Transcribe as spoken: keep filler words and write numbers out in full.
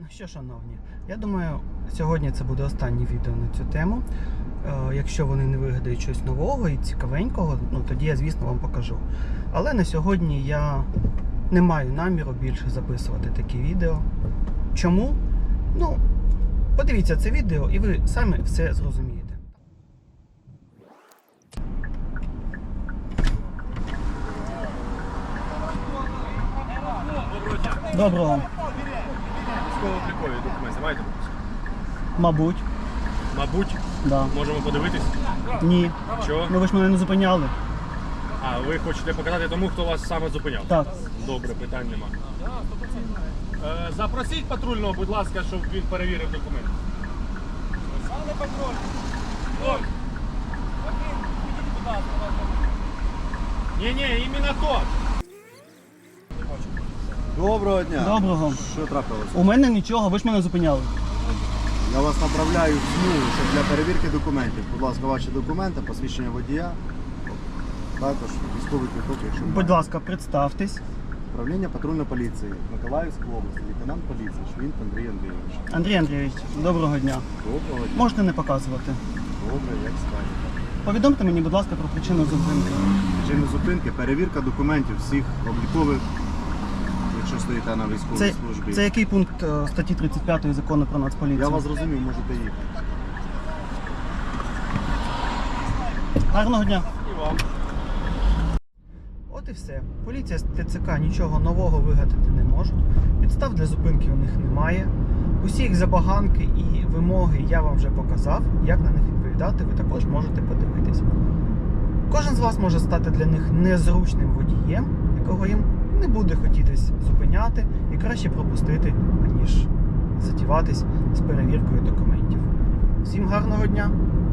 Ну що, шановні, я думаю, сьогодні це буде останнє відео на цю тему. Е, якщо вони не вигадають щось нового і цікавенького, ну тоді я, звісно, вам покажу. Але на сьогодні я не маю наміру більше записувати такі відео. Чому? Ну, подивіться це відео і ви самі все зрозумієте. Доброго. Військово-облікові документи маєте? Мабуть. Мабуть. Да. Можемо подивитись? Ні. Чого? Ну ви ж мене не зупиняли. А, ви хочете показати тому, хто вас саме зупиняв? Так. Добре, питань нема. Е, запросіть патрульного, будь ласка, щоб він перевірив документи. Пане патруль! Ой! Ні-ні, іменно то! Доброго дня. Доброго. Що трапилося? У мене нічого, ви ж мене зупиняли. Я вас направляю в СМУ, щоб для перевірки документів. Будь ласка, ваші документи, посвідчення водія, також військовий квиток, якщо Будь маєте. ласка, представтесь. Управління патрульної поліції Миколаївської області, лейтенант поліції Швінт Андрій Андрійович. Андрій Андрійович, доброго дня. Доброго дня. Можете не показувати. Добре, як скажете. Повідомте мені, будь ласка, про причину зупинки. Причина зупинки, перевірка документів всіх облікових, якщо стоїте на військовій Це, службі. це який пункт е, статті тридцять п'ятої закону про Нацполіцію? Я вас зрозумів, можете їхати. Гарного дня. І вам. От і все. Поліція з ТЦК нічого нового вигадати не можуть. Підстав для зупинки у них немає. Усі їх забаганки і вимоги я вам вже показав. Як на них відповідати, ви також можете подивитись. Кожен з вас може стати для них незручним водієм, якого їм не буде хотітись зупиняти і краще пропустити, аніж затіватись з перевіркою документів. Всім гарного дня!